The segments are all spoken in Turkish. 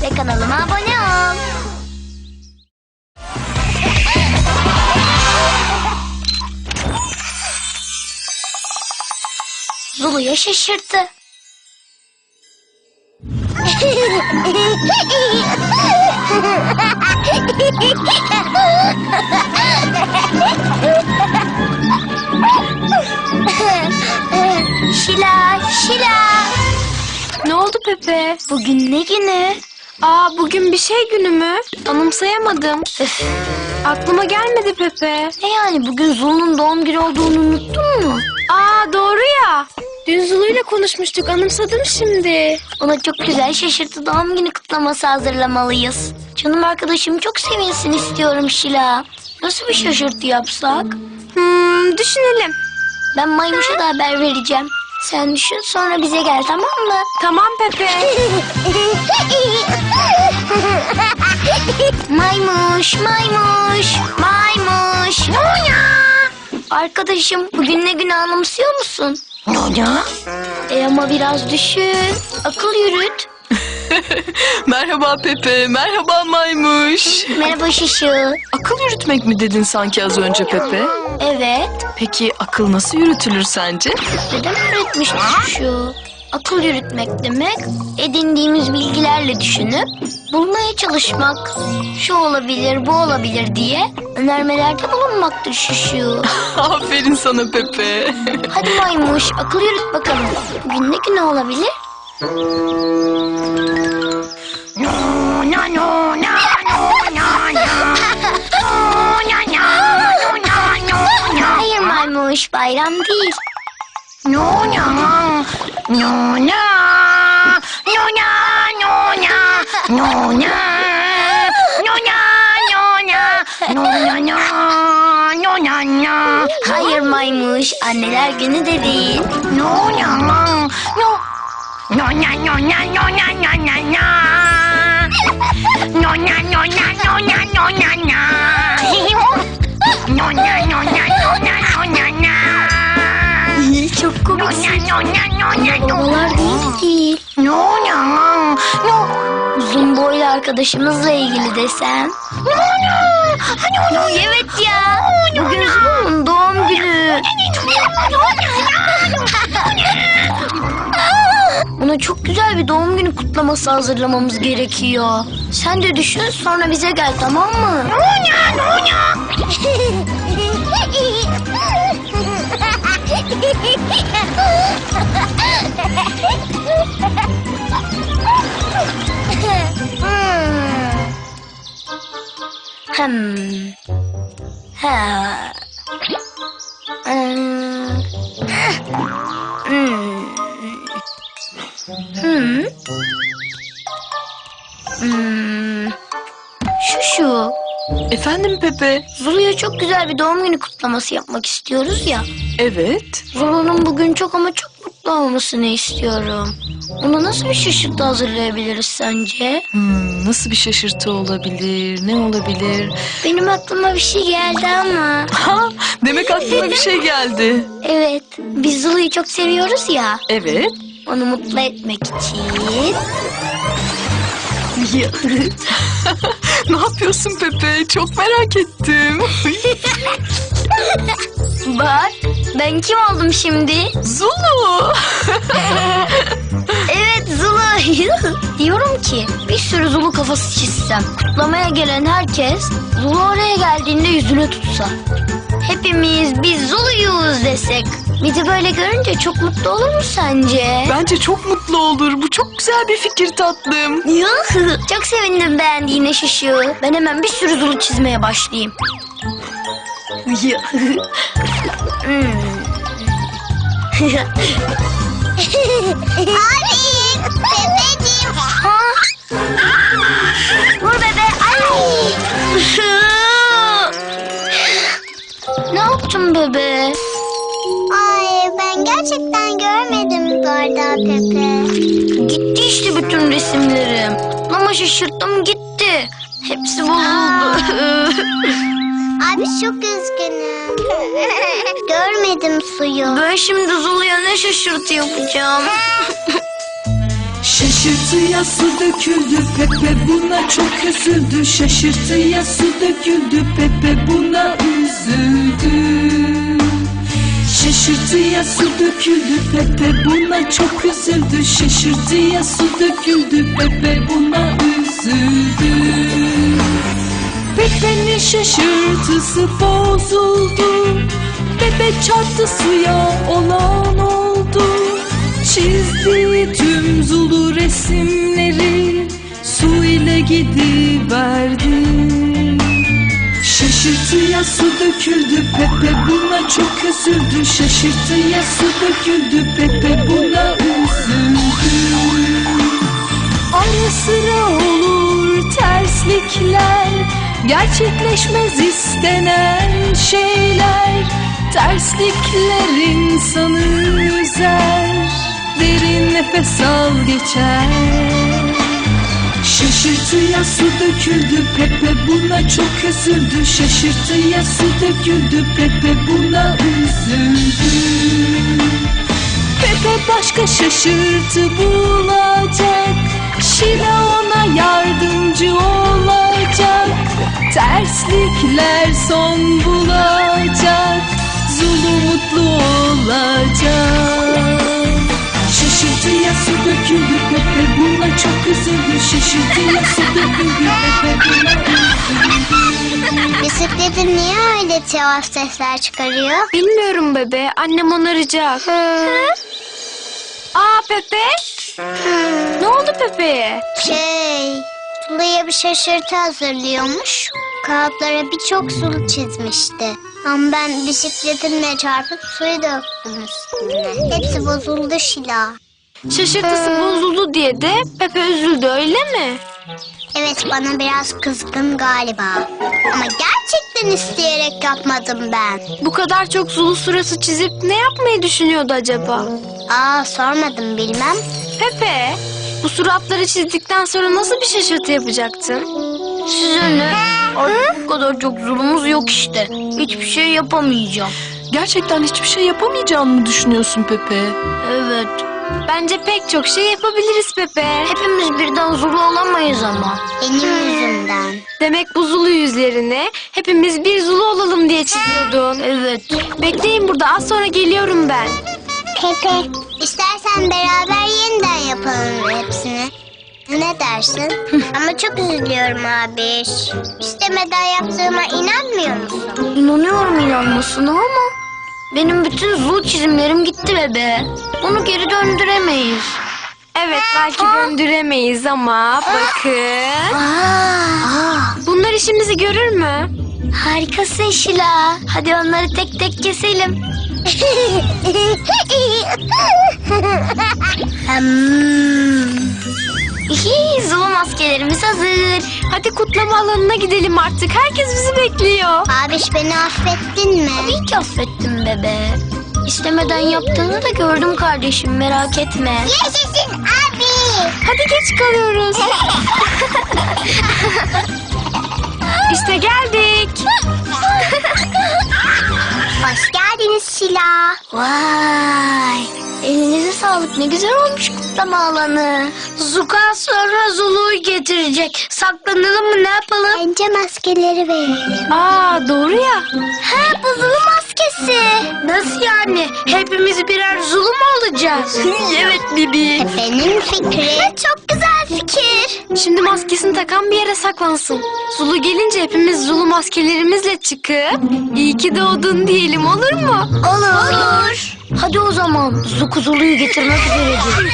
ve kanalıma abone ol. Zulu'ya şaşırttı. Şila, Şila. Ne oldu Pepe? Bugün ne günü? Bugün bir şey günü mü? Anımsayamadım. Öf, Aklıma gelmedi Pepe. ne yani bugün Zulu'nun doğum günü olduğunu unuttun mu? Doğru ya. Dün Zulu'yla konuşmuştuk, anımsadım şimdi. Ona çok güzel şaşırtı doğum günü kutlaması hazırlamalıyız. Canım arkadaşım çok sevinsin istiyorum Şila. Nasıl bir şaşırtı yapsak? Düşünelim. Ben Maymuş'a da haber vereceğim. Sen düşün sonra bize gel, tamam mı? Tamam Pepe. Maymuş, maymuş, maymuş. Nonya. Arkadaşım bugün ne günü anımsıyor musun? Nonya. Ama biraz düşün. Akıl yürüt. Merhaba Pepe, merhaba Maymuş. Merhaba Şişu. Akıl yürütmek mi dedin sanki az önce Pepe? Evet. Peki akıl nasıl yürütülür sence? Neden öğretmişti Şişu? Akıl yürütmek demek edindiğimiz bilgilerle düşünüp bulmaya çalışmak. Şu olabilir, bu olabilir diye önermelerde bulunmaktır Şişu. Aferin sana Pepe. Hadi Maymuş, akıl yürüt bakalım. Bugün ne günü olabilir? Hayır Maymuş, bayram değil. Hayır Maymuş, anneler günü de değil. Çok komiksin. Babalar değil. Uzun boylu arkadaşımızla ilgili desem. Evet ya. Bugün Zulu'nun doğum günü. Ona çok güzel bir doğum günü kutlaması hazırlamamız gerekiyor. Sen de düşün sonra bize gel, tamam mı? Ha. Şu. Efendim Pepe? Zulu'ya çok güzel bir doğum günü kutlaması yapmak istiyoruz ya. Evet. Zulu'nun bugün çok ama çok mutlu olmasını istiyorum. Ona nasıl bir şaşırtı hazırlayabiliriz sence? Nasıl bir şaşırtı olabilir? Ne olabilir? Benim aklıma bir şey geldi ama. Demek aklına bir şey geldi. Evet, biz Zulu'yu çok seviyoruz ya. Evet. Onu mutlu etmek için. Ne yapıyorsun Pepe? Çok merak ettim. Bak, ben kim oldum şimdi? Zulu. Evet, Zulu. Diyorum ki bir sürü Zulu kafası çizsem. Kutlamaya gelen herkes Zulu oraya geldiğinde yüzüne tutsa. Hepimiz biz Zulu'yuz desek. Bizi böyle görünce çok mutlu olur mu sence? Bence çok mutlu olur. Bu çok güzel bir fikir tatlım. Çok sevindim beğendiğine Şişu. Ben hemen bir sürü Zulu çizmeye başlayayım. Abi, Pepeciğim. Vur bebe. Ay. Ne yaptın bebe? Ay, ben gerçekten görmedim bu arada Pepe. Gitti işte bütün resimlerim. Ama şaşırttım gitti. Hepsi bozuldu. Abi çok üzgünüm. Görmedim suyu. Ben şimdi Zulu'ya ne şaşırtı yapacağım? Şaşırtıya su döküldü, Pepe buna çok üzüldü. Şaşırtıya su döküldü, Pepe buna üzüldü. Şaşırtıya su döküldü, Pepe buna çok üzüldü. Şaşırtıya su döküldü, Pepe buna üzüldü. Pepe'nin şaşırtısı bozuldu. Pepe çarptı suya, olan oldu. Çizdiği tüm Zulu resimleri su ile gidiverdi. Şaşırtıya su döküldü, Pepe buna çok üzüldü. Şaşırtıya su döküldü, Pepe buna üzüldü. Ara sıra olur terslikler, gerçekleşmez istenen şeyler. Terslikler insanı üzer, derin nefes al geçer. Şaşırtıya su döküldü, Pepe buna çok üzüldü. Şaşırtıya su döküldü, Pepe buna üzüldü. Pepe başka şaşırtı bulacak, Şila ona yardımcı olacak. Terslikler son bulacak, Zulu mutlu olacak. Şaşırtıya su döküldü, Pepe buna çok üzüldü. Şaşırtıya su döküldü, Pepe buna üzüldü. Bisikletin niye öyle tuhaf sesler çıkarıyor? Bilmiyorum bebe. Annem onaracak. Aa Pepe. Ne oldu Pepe'ye? Sulu'ya bir şaşırtı hazırlıyormuş. Kağıtlara birçok sulu çizmişti. Ama ben bisikletimle çarpıp suyu döktüm üstüne. Hepsi bozuldu Şila. Şaşırtısı bozuldu diye de Pepe üzüldü öyle mi? Evet, bana biraz kızgın galiba. Ama gerçekten isteyerek yapmadım ben. Bu kadar çok Zulu surası çizip ne yapmayı düşünüyordu acaba? Sormadım, bilmem. Pepe, bu suratları çizdikten sonra nasıl bir şaşırtı yapacaktın? Size ne? Artık bu kadar çok zulumuz yok işte. Hiçbir şey yapamayacağım. Gerçekten hiçbir şey yapamayacağını mı düşünüyorsun Pepe? Evet. Bence pek çok şey yapabiliriz Pepe. Hepimiz birden zulu olamayız ama. Benim yüzümden. Demek bu Zulu yüzlerini hepimiz bir Zulu olalım diye çiziyordun. Evet. Bekleyin burada, az sonra geliyorum ben. Pepe, istersen beraber yeniden yapalım hepsini. Ne dersin? Ama çok üzülüyorum abi. İstemeden yaptığıma inanmıyor musun? İnanıyorum inanmasına ama benim bütün zul çizimlerim gitti bebe. Onu geri döndüremeyiz. Evet, belki döndüremeyiz ama bakın. Bunlar işimizi görür mü? Harikasın Şila. Hadi onları tek tek keselim. Zulu maskelerimiz hazır. Hadi kutlama alanına gidelim artık. Herkes bizi bekliyor. Abiş, beni affettin mi? Tabii ki affettim bebe. İstemeden yaptığını da gördüm kardeşim, merak etme. Yaşasın abi. Hadi geç kalıyoruz. İşte geldik. Hoş geldiniz Şila. Vay! Elinize sağlık, ne güzel olmuş kutlama alanı. Zuka sonra Zulu'yu getirecek. Saklanalım mı, ne yapalım? Bence maskeleri verelim. Aa, doğru ya. Ha, bu Zulu maskesi. Nasıl yani? Hepimiz birer Zulu mu olacağız? Evet Bibi. Benim fikri. Çok güzel fikir. Şimdi maskesini takan bir yere saklansın. Zulu gelince hepimiz Zulu maskelerimizle çıkıp iyi ki doğdun diyelim, olur mu? Olur. Hadi o zaman Zuku Zulu'yu getirmek üzeredir.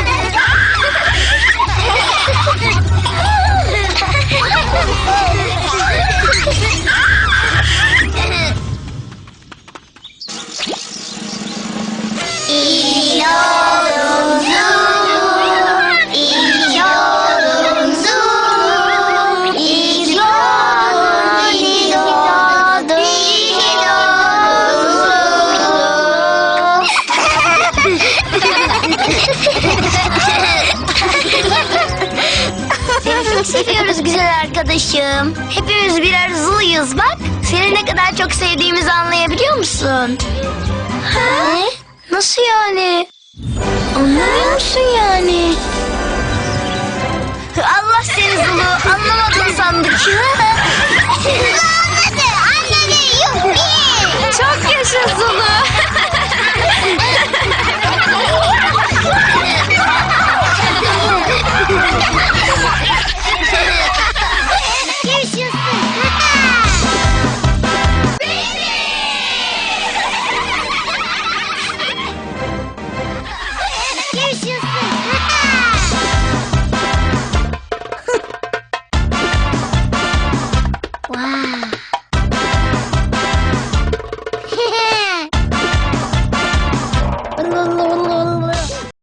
İyi yolun Zulu, iyi yolun Zulu, iyi ki doğdun, iyi ki doğdun, iyi ki doğdun Seni çok seviyoruz güzel arkadaşım. Hepimiz birer Zulu'yuz bak. Seni ne kadar çok sevdiğimizi anlayabiliyor musun? Ha? Nasıl yani? Anlamıyor musun yani? Allah seni Zulu, anlamadın sandık.